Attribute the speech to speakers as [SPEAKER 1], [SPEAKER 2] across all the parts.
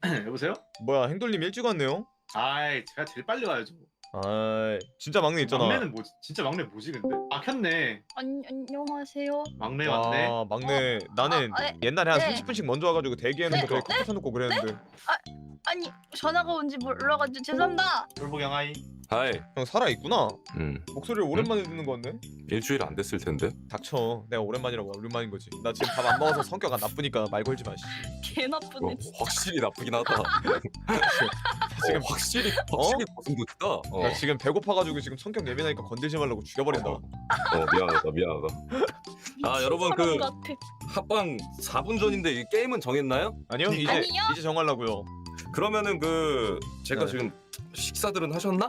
[SPEAKER 1] 여보세요?
[SPEAKER 2] 뭐야 행돌님 일찍 왔네요?
[SPEAKER 1] 아이 제가 제일 빨리 와야죠.
[SPEAKER 2] 아 진짜 막내 있잖아.
[SPEAKER 1] 막내는 뭐지? 진짜 막내 뭐지 근데? 아 켰네.
[SPEAKER 3] 안녕하세요.
[SPEAKER 1] 막내 왔네.
[SPEAKER 2] 와 막내 나는
[SPEAKER 3] 네.
[SPEAKER 2] 옛날에 한
[SPEAKER 3] 네.
[SPEAKER 2] 30분씩 먼저 와가지고 대기해놓고
[SPEAKER 3] 네.
[SPEAKER 2] 되게 커피 사놓고 그랬는데
[SPEAKER 3] 아니 전화가 온지 몰라가지고 죄송합니다.
[SPEAKER 1] 돌보경 하이.
[SPEAKER 4] 하이.
[SPEAKER 2] 형 살아있구나?
[SPEAKER 4] 음.
[SPEAKER 2] 목소리를 오랜만에 듣는 건데?
[SPEAKER 4] 일주일 안 됐을 텐데.
[SPEAKER 2] 닥쳐 내가 오랜만이라고 오랜만인 거지. 나 지금 밥 안 먹어서 성격 안 나쁘니까 말 걸지 마 씨.
[SPEAKER 3] 개 나쁘네.
[SPEAKER 4] 확실히 나쁘긴 하다.
[SPEAKER 2] 지금
[SPEAKER 4] 확실히 고슴도치다.
[SPEAKER 2] 나 지금 배고파가지고 지금 성격 예민하니까 건들지 말라고 죽여버린다.
[SPEAKER 4] 미안하다. 아 여러분 그
[SPEAKER 3] 같아.
[SPEAKER 4] 합방 4분 전인데 이 게임은 정했나요?
[SPEAKER 2] 아니요 이제
[SPEAKER 3] 아니요?
[SPEAKER 2] 이제 정하려고요.
[SPEAKER 4] 그러면은 그 제가
[SPEAKER 2] 네.
[SPEAKER 4] 지금 식사들은 하셨나?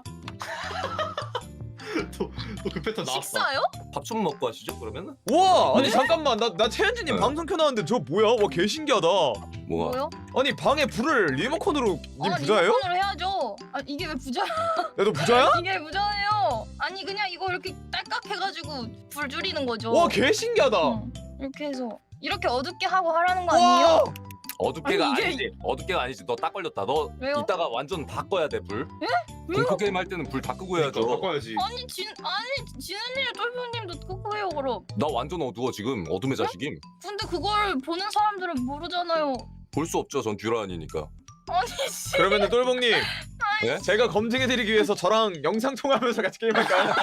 [SPEAKER 1] 또 그 패턴 나왔어.
[SPEAKER 3] 식사요?
[SPEAKER 4] 밥 좀 먹고 하시죠 그러면은?
[SPEAKER 2] 와 아니
[SPEAKER 3] 네?
[SPEAKER 2] 잠깐만 나 최현진님
[SPEAKER 4] 네.
[SPEAKER 2] 방송 켜놨는데 저 뭐야? 와 개신기하다.
[SPEAKER 4] 뭐가?
[SPEAKER 3] 뭐요?
[SPEAKER 2] 아니 방에 불을 리모컨으로 님 부자예요?
[SPEAKER 3] 리모컨으로 해야죠. 아 이게 왜 부자?
[SPEAKER 2] 야 너 부자야?
[SPEAKER 3] 이게 왜 부자예요? 아니 그냥 이거 이렇게 딸깍 해가지고 불 줄이는 거죠.
[SPEAKER 2] 와 개신기하다.
[SPEAKER 3] 응. 이렇게 해서 이렇게 어둡게 하고 하라는 거 아니에요?
[SPEAKER 2] 와
[SPEAKER 4] 어둡게가
[SPEAKER 3] 아니, 이게-
[SPEAKER 4] 아니지. 어둡게가 아니지. 너 딱 걸렸다. 너
[SPEAKER 3] 왜요?
[SPEAKER 4] 이따가 완전 다 꺼야 돼 불.
[SPEAKER 3] 왜요?
[SPEAKER 4] 공포 게임 할 때는 불 다 끄고 해야죠.
[SPEAKER 1] 바꿔야지.
[SPEAKER 3] 아니 진은님 똘똘님도 끄고 해요 그럼.
[SPEAKER 4] 나 완전 어두워 지금. 어둠의 자식임.
[SPEAKER 3] 근데 그걸 보는 사람들은 모르잖아요.
[SPEAKER 4] 볼 수 없죠. 전 듀란이니까.
[SPEAKER 3] 아니 씨.
[SPEAKER 2] 그러면은 똘봉님
[SPEAKER 4] 예?
[SPEAKER 2] 제가 검증해드리기 위해서 저랑 영상 통화하면서 같이 게임할까요?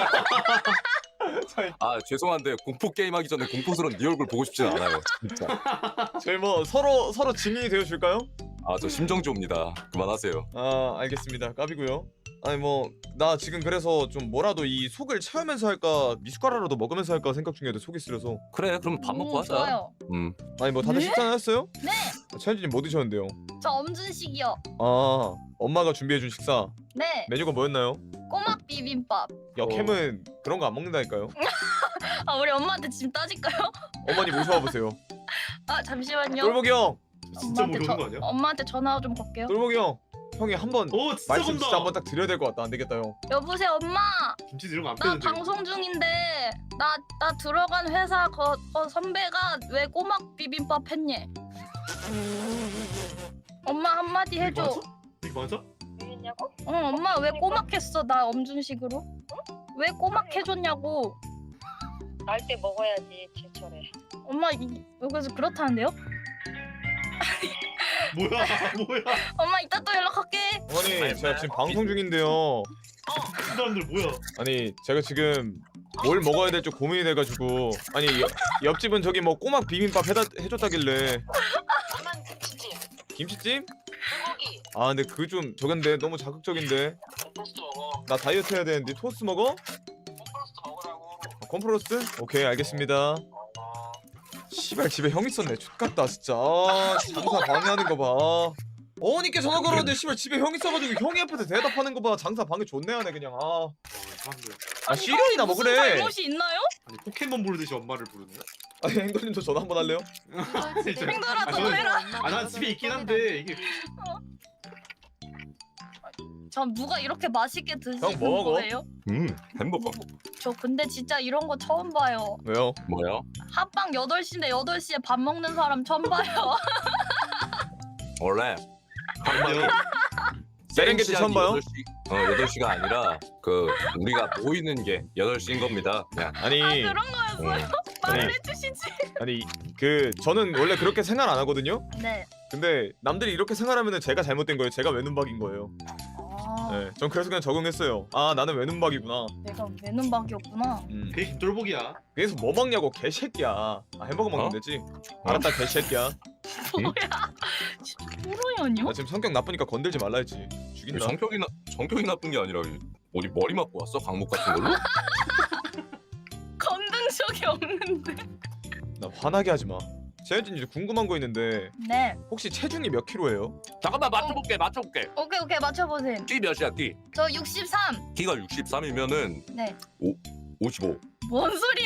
[SPEAKER 4] 아 죄송한데 공포 게임 하기 전에 공포스러운 네 얼굴 보고 싶진 않아요. 진짜.
[SPEAKER 2] 저희 뭐 서로 증인이 되어줄까요?
[SPEAKER 4] 아 저 심정지옵니다. 그만하세요.
[SPEAKER 2] 아 알겠습니다. 까비고요. 아니 뭐 나 지금 그래서 좀 뭐라도 이 속을 채우면서 할까 미숫가루라도 먹으면서 할까 생각 중이어도 속이 쓰려서.
[SPEAKER 4] 그래 그럼 밥 먹고 하자.
[SPEAKER 3] 좋아요.
[SPEAKER 2] 아니 뭐 다들
[SPEAKER 3] 네?
[SPEAKER 2] 식사는 했어요?
[SPEAKER 3] 네.
[SPEAKER 2] 최현진님 뭐 드셨는데요?
[SPEAKER 3] 저 엄준식이요.
[SPEAKER 2] 아 엄마가 준비해준 식사
[SPEAKER 3] 네.
[SPEAKER 2] 메뉴가 뭐였나요?
[SPEAKER 3] 꼬막 비빔밥.
[SPEAKER 2] 역캠은 그런 거 안 먹는다니까요.
[SPEAKER 3] 아 우리 엄마한테 지금 따질까요?
[SPEAKER 2] 어머니 모셔와 보세요.
[SPEAKER 3] 아 잠시만요.
[SPEAKER 2] 똘복이 형,
[SPEAKER 1] 진짜 모르는 거 아니야?
[SPEAKER 3] 엄마한테 전화 좀 걸게요.
[SPEAKER 2] 똘복이 형, 형이 한번
[SPEAKER 1] 오 진짜
[SPEAKER 2] 말씀
[SPEAKER 1] 본다.
[SPEAKER 2] 진짜 한번 딱 드려야 될 것 같다. 안 되겠다 형.
[SPEAKER 3] 여보세요 엄마.
[SPEAKER 1] 김치 이런 거안
[SPEAKER 3] 나
[SPEAKER 1] 빼는데.
[SPEAKER 3] 방송 중인데 나 들어간 회사 선배가 왜 꼬막 비빔밥 했니? 엄마 한마디 해줘.
[SPEAKER 1] 이거 맞아?
[SPEAKER 3] 응 엄마 왜 꼬막 했어 나 엄준식으로? 응? 왜 꼬막 해줬냐고.
[SPEAKER 5] 날 때 먹어야지 제철에.
[SPEAKER 3] 엄마 여기서 그렇다는데요?
[SPEAKER 1] 뭐야 뭐야?
[SPEAKER 3] 엄마 이따 또 연락할게.
[SPEAKER 2] 어머니 제가 지금 방송 중인데요.
[SPEAKER 1] 그 사람들 뭐야?
[SPEAKER 2] 아니 제가 지금 뭘 먹어야 될지 고민이 돼가지고 아니 옆집은 저기 뭐 꼬막 비빔밥 해줬다길래
[SPEAKER 5] 나만 김치찜,
[SPEAKER 2] 김치찜?
[SPEAKER 5] 불고기,
[SPEAKER 2] 아 근데 그 좀 저건데 너무 자극적인데
[SPEAKER 5] 콤포스트 먹어.
[SPEAKER 2] 나 다이어트 해야 되는데 토스트 먹어?
[SPEAKER 5] 콤포스트 먹으라고.
[SPEAKER 2] 콤프로스트? 오케이 알겠습니다. 씨발 집에 형 있었네. X같다 진짜. 아, 장사 방해하는 거 봐. 어머니께 전화 걸었는데 씨발 집에 형 있어가지고 형이 옆에서 대답하는 거 봐. 장사 방해 존내 하네 그냥. 아,
[SPEAKER 1] 사람들.
[SPEAKER 2] 아 시련이나
[SPEAKER 3] 무슨
[SPEAKER 2] 먹으래.
[SPEAKER 3] 잘못이 있나요?
[SPEAKER 1] 아니 포켓몬 부르듯이 엄마를 부르네.
[SPEAKER 2] 아니 행돌님도 전화 한번 할래요?
[SPEAKER 1] 진짜.
[SPEAKER 3] 행돌아
[SPEAKER 1] 아,
[SPEAKER 3] 너
[SPEAKER 1] 저는-
[SPEAKER 3] 해라.
[SPEAKER 1] 난 집에 있긴 한데 이게
[SPEAKER 3] 전 누가 이렇게 맛있게 드시는
[SPEAKER 2] 형, 뭐 먹어?
[SPEAKER 3] 거예요?
[SPEAKER 4] 햄버거.
[SPEAKER 3] 저 근데 진짜 이런 거 처음 봐요.
[SPEAKER 2] 왜요?
[SPEAKER 4] 뭐야?
[SPEAKER 3] 합방 8시인데 8시에 밥 먹는 사람 처음 봐요.
[SPEAKER 4] 원래
[SPEAKER 1] 아니요.
[SPEAKER 2] 세렝게티 처음 봐요?
[SPEAKER 4] 8시가 아니라 그 우리가 모이는 게 8시인 겁니다. 그냥.
[SPEAKER 2] 아니
[SPEAKER 3] 그런 거였어요? 말을 해주시지.
[SPEAKER 2] 아니 그 저는 원래 그렇게 생각 안 하거든요.
[SPEAKER 3] 네.
[SPEAKER 2] 근데 남들이 이렇게 생각하면은 제가 잘못된 거예요. 제가 외눈박인 거예요.
[SPEAKER 3] 아
[SPEAKER 2] 네, 전 그래서 그냥 적응했어요. 아 나는 외눈박이구나.
[SPEAKER 3] 내가 외눈박이었구나.
[SPEAKER 1] 그게 김돌복이야.
[SPEAKER 2] 그래서 뭐 먹냐고 개새끼야. 아 햄버거 먹으면 되지. 알았다 개새끼야.
[SPEAKER 3] 뭐야? 호로연이요?
[SPEAKER 2] 나 지금 성격 나쁘니까 건들지 말라 했지. 죽인다.
[SPEAKER 4] 성격이 나쁜 게 아니라 어디 머리 맞고 왔어? 강목 같은 걸로?
[SPEAKER 3] 건든 적이 없는데.
[SPEAKER 2] 나 화나게 하지 마. 재현진 이제 궁금한 거 있는데
[SPEAKER 3] 네.
[SPEAKER 2] 혹시 체중이 몇 킬로예요?
[SPEAKER 4] 잠깐만 맞춰볼게.
[SPEAKER 3] 오케이 맞춰보세요.
[SPEAKER 4] 띠 몇이야 띠?
[SPEAKER 3] 저 63.
[SPEAKER 4] 키가 63이면은
[SPEAKER 3] 네.
[SPEAKER 4] 55
[SPEAKER 3] 뭔 소리요?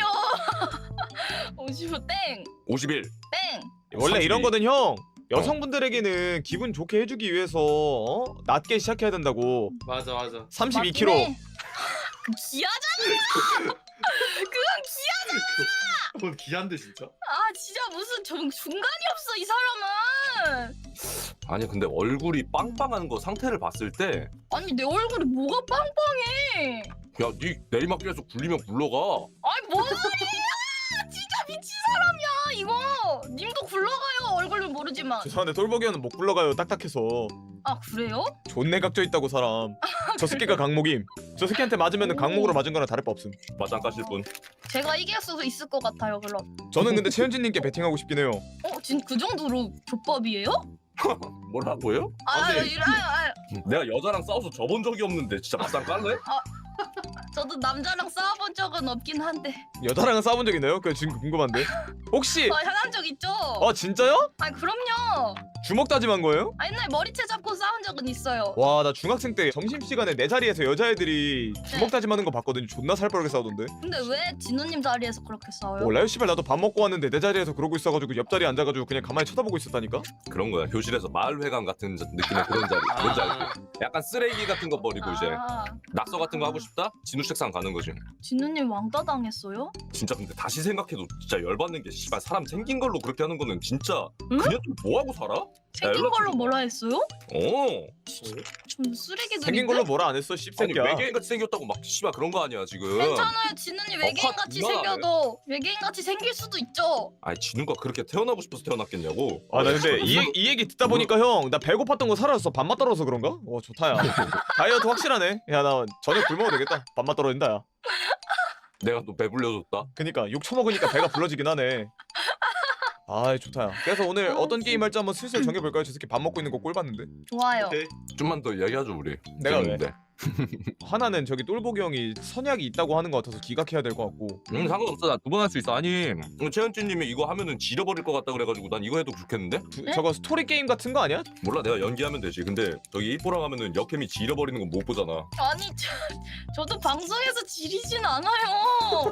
[SPEAKER 3] 55 땡.
[SPEAKER 4] 51
[SPEAKER 3] 땡.
[SPEAKER 2] 원래
[SPEAKER 4] 32.
[SPEAKER 2] 이런 거는 형 여성분들에게는 기분 좋게 해주기 위해서 낮게 시작해야 된다고.
[SPEAKER 1] 맞아.
[SPEAKER 2] 32kg.
[SPEAKER 3] 맞네. 그 기하잖아. 그건 기하.
[SPEAKER 1] 그건 기한데 진짜.
[SPEAKER 3] 아 진짜 무슨 중간이 없어 이 사람은.
[SPEAKER 4] 아니 근데 얼굴이 빵빵한 거 상태를 봤을 때
[SPEAKER 3] 아니 내 얼굴이 뭐가 빵빵해?
[SPEAKER 4] 야, 네 내리막길에서 굴리면 굴러가.
[SPEAKER 3] 아니 뭔 소리야? 진짜 미친 사람이야 이거. 님도 굴러가요 얼굴은 모르지만.
[SPEAKER 2] 죄송한데 똘보기 형은 못 굴러가요. 딱딱해서.
[SPEAKER 3] 아 그래요?
[SPEAKER 2] 존내 각져 있다고 사람. 저 새끼가 강목임. 저 새끼한테 맞으면 강목으로 맞은 거랑 다를 바 없음.
[SPEAKER 4] 맞짱 까실 분.
[SPEAKER 3] 제가 이길 수 있을 것 같아요 그럼.
[SPEAKER 2] 저는 근데 최현진님께 베팅하고 싶긴 해요.
[SPEAKER 3] 그 정도로 족밥이에요?
[SPEAKER 4] 뭐라고요?
[SPEAKER 1] 근데-
[SPEAKER 4] 내가 여자랑 싸워서 져본 적이 없는데 진짜 맞짱 깔래?
[SPEAKER 3] 저도 남자랑 싸워본 적은 없긴 한데.
[SPEAKER 2] 여자랑은 싸워본 적 있나요? 그 지금 궁금한데. 혹시
[SPEAKER 3] 향한 적 있죠?
[SPEAKER 2] 진짜요?
[SPEAKER 3] 아니 그럼요.
[SPEAKER 2] 주먹 다짐한 거예요?
[SPEAKER 3] 옛날 머리채 잡고 싸운 적은 있어요.
[SPEAKER 2] 와 나 중학생 때 점심시간에 내 자리에서 여자애들이 주먹 다짐하는 거 봤거든요. 존나 살빠르게 싸우던데.
[SPEAKER 3] 근데 왜 진우님 자리에서 그렇게 싸워요?
[SPEAKER 2] 몰라요? 씨발 나도 밥 먹고 왔는데 내 자리에서 그러고 있어가지고 옆자리에 앉아가지고 그냥 가만히 쳐다보고 있었다니까?
[SPEAKER 4] 그런 거야. 교실에서 마을회관 같은 느낌의 그런 자리. 뭔지 알지? 약간 쓰레기 같은 거 버리고 이제 낙서 같은 거 하고 싶다? 진우 책상 가는 거지.
[SPEAKER 3] 진우님 왕따 당했어요?
[SPEAKER 4] 진짜 근데 다시 생각해도 진짜 열받는 게 씨발 사람 생긴 걸로 그렇게 하는 거는 진짜
[SPEAKER 3] 응?
[SPEAKER 4] 그냥 좀 뭐 하고 살아?
[SPEAKER 3] 생긴
[SPEAKER 4] 연락
[SPEAKER 3] 걸로
[SPEAKER 4] 좀-
[SPEAKER 3] 뭐라 했어요? 좀 쓰레기들인데?
[SPEAKER 2] 생긴 걸로 뭐라 안 했어
[SPEAKER 4] 아니
[SPEAKER 2] 씹새끼야.
[SPEAKER 4] 외계인같이 생겼다고 막 씨발 그런 거 아니야 지금.
[SPEAKER 3] 괜찮아요. 진우님 외계인같이
[SPEAKER 4] 컷,
[SPEAKER 3] 생겨도 외계인같이 생길 수도 있죠.
[SPEAKER 4] 아니 진우가 그렇게 태어나고 싶어서 태어났겠냐고.
[SPEAKER 2] 아 나 근데 이 얘기 듣다 보니까 형 나 배고팠던 거 사라졌어. 밥맛 떨어져서 그런가? 와 좋다야. 다이어트 확실하네. 야 나 저녁 굶어도 되겠다. 밥맛 떨어진다 야.
[SPEAKER 4] 내가 또 배불려줬다.
[SPEAKER 2] 그니까 욕 처먹으니까 배가 불러지긴 하네. 아이 좋다야. 그래서 오늘 어떤 게임 할지 한번 슬슬 정해볼까요? 저 새끼 밥 먹고 있는 거 꼴 봤는데.
[SPEAKER 3] 좋아요.
[SPEAKER 1] 오케이.
[SPEAKER 4] 좀만 더 이야기하죠 우리.
[SPEAKER 2] 내가 왜?
[SPEAKER 4] 재밌는데.
[SPEAKER 2] 하나는 저기 똘보기 형이 선약이 있다고 하는 거 같아서 기각해야 될 것 같고.
[SPEAKER 4] 상관없어. 나 두 번 할 수 있어. 아니 최현진님이 이거 하면은 지려버릴 것 같다 그래가지고 난 이거 해도 좋겠는데?
[SPEAKER 3] 네?
[SPEAKER 2] 저거 스토리 게임 같은 거 아니야?
[SPEAKER 4] 몰라 내가 연기하면 되지. 근데 저기 이뽀랑 하면은 역캠이 지려버리는 건 못 보잖아.
[SPEAKER 3] 아니 저도 방송에서 지리진 않아요.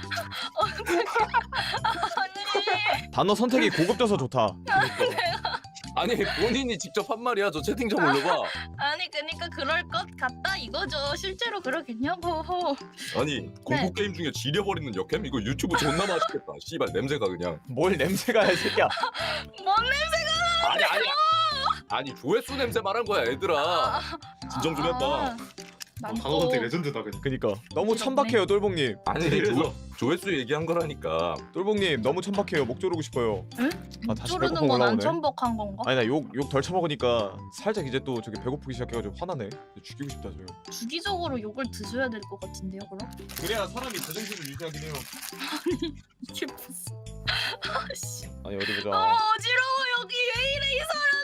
[SPEAKER 3] 아니
[SPEAKER 2] 단어 선택이 고급져서 좋다.
[SPEAKER 4] 아니 본인이 직접 한 말이야. 저 채팅 좀 올려봐.
[SPEAKER 3] 아니 그러니까 그럴 것 같다 이거죠. 실제로 그러겠냐고.
[SPEAKER 4] 아니 공포 게임 중에 지려버리는 역캠? 이거 유튜브 존나 맛있겠다. 씨발 냄새가 그냥.
[SPEAKER 2] 뭘 냄새가 이 새끼야.
[SPEAKER 3] 뭔 냄새가
[SPEAKER 4] 아니 아니 조회수 냄새 말한 거야 얘들아. 진정 좀 해봐.
[SPEAKER 1] 단어 선택 레전드다 그냥.
[SPEAKER 2] 그니까 너무 천박해요 똘봉님.
[SPEAKER 4] 아니
[SPEAKER 1] 그래서.
[SPEAKER 4] 조회수 얘기한 거라니까.
[SPEAKER 2] 똘봉님 너무 천박해요. 목 조르고 싶어요.
[SPEAKER 3] 응?
[SPEAKER 2] 아 다시
[SPEAKER 3] 조르는
[SPEAKER 2] 배고픔
[SPEAKER 3] 건 안
[SPEAKER 2] 올라오네.
[SPEAKER 3] 천박한 건가?
[SPEAKER 2] 아니 나 욕 덜 처먹으니까 살짝 이제 또 저기 배고프기 시작해가지고 화나네. 죽이고 싶다 저.
[SPEAKER 3] 주기적으로 욕을 드셔야 될 것 같은데요 그럼?
[SPEAKER 2] 그래야 사람이 제정신을 유지하긴 해요.
[SPEAKER 3] 이게 무슨 아씨
[SPEAKER 2] 아니 어디 보자.
[SPEAKER 3] 어지러워 여기 왜 이래 이 사람